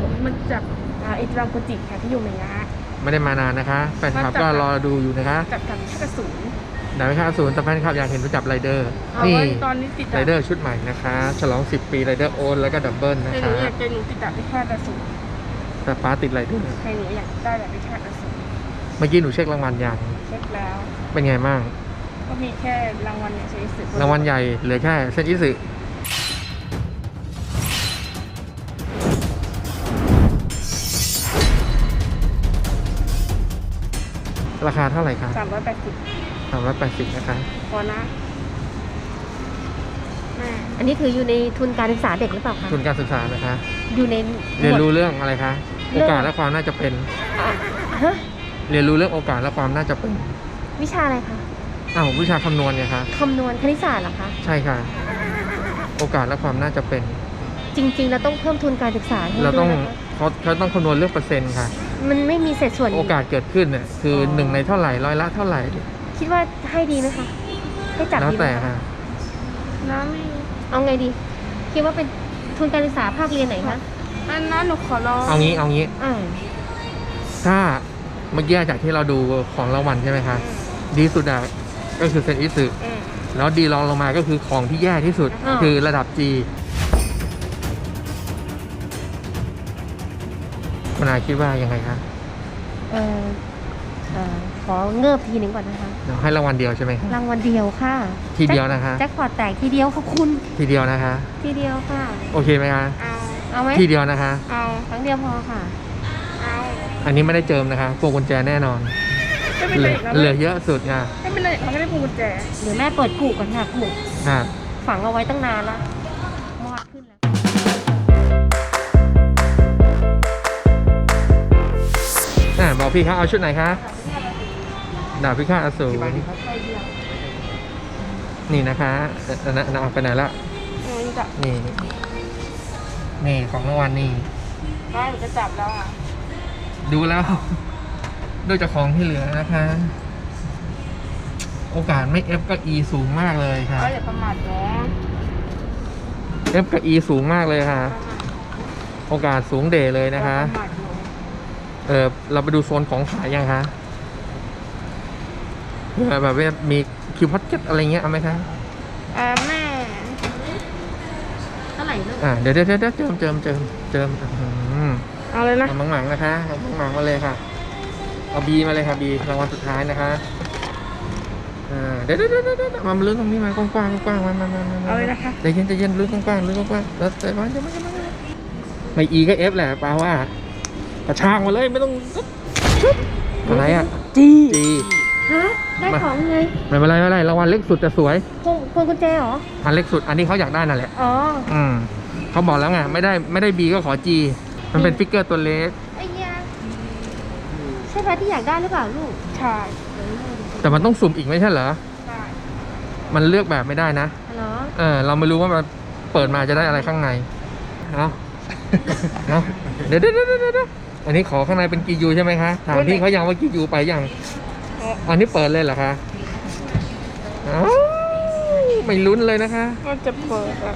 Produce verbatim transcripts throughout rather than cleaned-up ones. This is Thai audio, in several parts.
ผมมันจากอิตาลีโปรจิค่ะที่อยู่ในยะไม่ได้มานานนะคะแฟนคลับก็รอดูอยู่นะคะกับกับชาติศูนย์ดาวิคาศูนย์แต่แฟนคลับอยากเห็นรู้จักไรเดอร์นี่ตอนนี้ติดไรเดอร์ชุดใหม่นะคะฉลองสิบปีไรเดอร์โอนแล้วก็ดับเบิลนะคะหนูอยากจะหนูติดดาวิคาศูนย์แต่ป้าติดไรเดอร์ใครหนูอยากได้ดาวิคาศูนย์เมื่อกี้หนูเช็ครางวัลยังเช็คแล้วเป็นไงบ้างก็มีแค่รางวัลเนี่ยเซนอิสึรางวัลใหญ่เหลือแค่เซนอิสึราคาเท่าไหร่คะสามร้อยแปดสิบสามร้อยแปดสิบนะคะพอนะอันนี้ถืออยู่ในทุนการศึกษาเด็กหรือเปล่าคะทุนการศึกษานะคะอยู่ในเรียนรู้เรื่องอะไรคะโอกาสและความน่าจะเป็นเรียนรู้เรื่องโอกาสและความน่าจะเป็นวิชาอะไรคะอ้าววิชาคำนวณไงคะคำนวณคณิตศาสตร์เหรอคะใช่ค่ะโอกาสและความน่าจะเป็นจริงๆเราต้องเพิ่มทุนการศึกษาเราต้องเขาเขาต้องคำนวณเรื่องเปอร์เซ็นต์ค่ะมันไม่มีเศษส่วนโอกาสเกิดขึ้นเนี่ยคือหนึ่งในเท่าไหร่ร้อยละเท่าไหร่คิดว่าให้ดีไหมคะให้จับแล้วแต่ค่ะน้ำไม่เอาไงดีคิดว่าเป็นทุนการศึกษาภาคเรียนไหนคะอันนั้นหนูขอลองเอางี้เอางี้ถ้าเมื่อกี้จากที่เราดูของรางวัลใช่ไหมคะดีสุดอะก็คือเซนอิสึแล้วดีรองลงมาก็คือของที่แย่ที่สุดคือระดับ G คุณอาคิดว่ายังไงคะเออเออขอเงือบทีหนึ่งก่อนนะคะเดี๋ยวให้รางวัลเดียวใช่ไหมคะรางวัลเดียวค่ะทีเดียวนะคะแจ็คพอตแตกทีเดียวขอบคุณทีเดียวนะคะทีเดียวค่ะโอเคไหมคะเอาเอาไหมทีเดียวนะคะเอาครั้งเดียวพอค่ะเอาอันนี้ไม่ได้เจิมนะคะพวงกุญแจแน่นอนเหลือเหลือเยอะสุดค่ะไม่เป็นไรเขาไม่ได้พวงกุญแจเดี๋ยวแม่เปิดกุก่อนค่ะกุฝังเอาไว้ตั้งนานแล้วมอดขึ้นแล้วอ่าบอกพี่เขาเอาชุดไหนคะดาบพิฆาตอสูรนี่นะคะนะนะเอาไปไหนละนี่นี่ของรางวัลนี่ได้จะจับแล้วอ่ะดูแล้วด้วยจากของที่เหลือนะคะโอกาสไม่ F กับ E สูงมากเลยค่ะอย่าประมาทนะ F กับ E สูงมากเลยค่ะโอกาสสูงเดเลยนะคะเออเราไปดูโซนของขายยังคะแบบว่ามีคิวพัดเก็ตอะไรเงี้ยเอาไหมคะอ่าแม่เท่าไหร่ลูกอ่าเดี๋ยวเดี๋ยวเดี๋ยวเจิมเจิมเจิมเจิมเอาเลยนะเอามังหมังนะคะเอามังหมังมาเลยค่ะเอาบีมาเลยค่ะบีรางวัลสุดท้ายนะคะอ่าเดี๋ยวเดี๋ยวเดี๋ยวเดี๋ยวมาลุ้นตรงนี้มากว้างกว้างกว้างมามามาเอาเลยนะคะใจเย็นใจเย็นลุ้นกว้างลุ้นกว้างแล้วแต่ว่าจะไม่จะไม่ไม่อีก็เอฟแหละป้าว่ากระชากมาเลยไม่ต้องอะไรอ่ะจีจีฮะได้ของไงไม่เป็นไรไม่เป็นไรรางวัลเล็กสุดแต่สวยพวงพวงกุญแจเหรออันเล็กสุดอันนี้เขาอยากได้นั่นแหละอ๋ออืมเขาบอกแล้วไงไม่ได้ไม่ได้บีก็ขอจีมันเป็นฟิกเกอร์ตัวเล็กไอ้ยาใช่ไหมที่อยากได้หรือเปล่าลูกใช่แต่มันต้องสุ่มอีกไม่ใช่เหรอใช่มันเลือกแบบไม่ได้นะเหรอเออเราไม่รู้ว่ามันเปิดมาจะได้อะไรข้างในเอาเอาเดี๋ยวเดี๋ยวเดี๋ยวเดี๋ยวอันนี้ขอข้างในเป็นกียูใช่ไหมคะถามพี่เขายังว่ากียูไปยังอันนี้เปิดเลยเหรอคะไม่ลุ้นเลยนะคะมันจะเปิดอ่ะ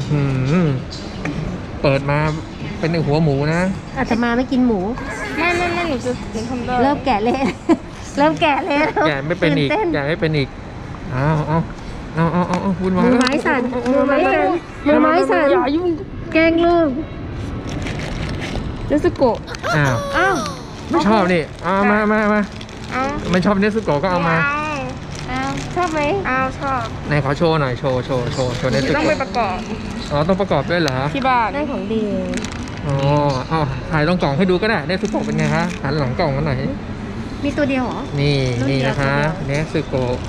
เปิดมาเป็นหัวหมูนะอาตมาไม่กินหมูไม่ไม่ไม่หนูจะหนูทำได้เริ่มแกะเละเริ่มแกะเละแกะไม่เป็นอีกแกะไม่เป็นอีกเอาเอาเอาเอาเอาเอาคุณมือไม้สั่นมือไม้สั่นมือไม้สั่นอย่ายุ่งแกงลูกเนสโกะอ้าวอ้าวไม่ชอบนี่เอามามามาไม่ชอบเนสโกะก็เอามาอ้าวชอบไหมอ้าวชอบไหนขอโชว์หน่อยโชว์โชว์โชว์โชว์เนสโกะต้องไปประกอบอ๋อต้องประกอบด้วยเหรอที่บ้านได้ของดีอ๋ออ้าวถ่ายตรงกล่องให้ดูก็ได้เนสโกะเป็นไงคะหันหลังกล่องกันหน่อยมีตัวเดียวเหรอนี่นี่นะคะเนสโกะ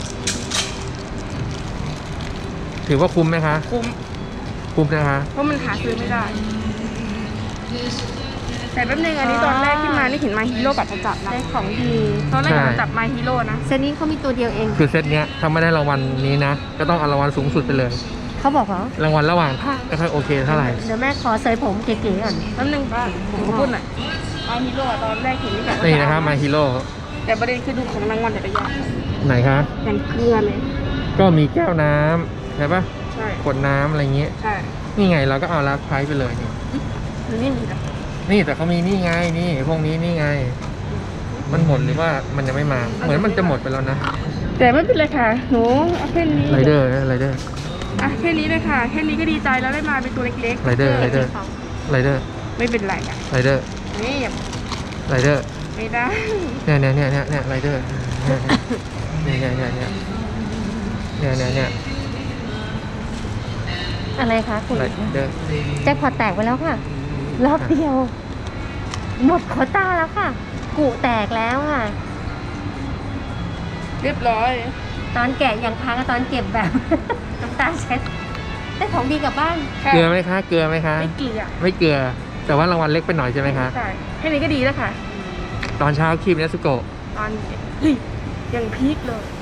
ถือว่าคุ้มไหมคะคุ้มคุ้มนะคะเพราะมันหาซื้อไม่ได้แต่แป๊บนึงอันนี้ตอนแรกที่มานี่เห็นมาฮีโร่กับจะจับนะได้ของดีตอนแรกจะจับมาฮีโร่นะเซตนี้เขามีตัวเดียวเองคือเซตเนี้ยถ้าไม่ได้รางวัลนี้นะก็ต้องเอารางวัลสูงสุดไปเลยเขาบอกเหรอรางวัลระหว่างภาคไม่ค่อยโอเคเท่าไหร่เดี๋ยวแม่ขอเซยผมเก๋ๆก่อนแป๊บนึงป้าผมก็พูดหน่อยมาฮีโร่ตอนแรกเห็นนี่แบบนี่นะครับมาฮีโร่แต่ประเด็นคือดูของรางวัลแต่ละอย่างไหนคะอย่างเกลือเลยก็มีแก้วน้ำใช่ปะใช่ขวดน้ำอะไรเงี้ยใช่นี่ไงเราก็เอาลาไพร์ไปเลยนี่นี่นี่จ้ะนี่แต่เขามีนี่ไงนี่พวกนี้นี่ไง มันหมดหรือว่ามันยังไม่มา เหมือนมันจะหมดไปแล้วนะแต่ไม่เป็นไรค่ะหนูเอาแค่นี้ไรเดอร์นะไรเดอร์อ่ะแค่นี้เลยค่ะแค่นี้ก็ดีใจแล้วได้มาเป็นตัวเล็กๆไรเดอร์ไรเดอร์ไรเดอร์ไม่เป็นไรอ่ะไรเดอร์นี่อย่าไรเดอร์ไม่ได้เนี่ยเนี่ยเนี่ยเนี่ยเนี่ยไรเดอร์เนี่ยเนี่ยเนี่ยเนี่ยเนี่ยเนี่ยเนี่ยอะไรคะคุณไรเดอร์แจ็คพอตแตกไปแล้วค่ะ รอบเดียว หมดโควต้าแล้วค่ะ กุแตกแล้วค่ะเรียบร้อยตอนแกะยังพังตอนเก็บแบบ น้ำตาเช็ดได้ของดีกลับบ้านค่ะเกลือไหมคะเกลือไหมคะไม่เกลือไม่เกลือ แต่ว่ารางวัลเล็กไปหน่อยใช่ไหมคะใช่แค่นี้ก็ดีแล้วค่ะตอนเช้าคีบเนสโกะตอนเฮ้ยยังพีคเลย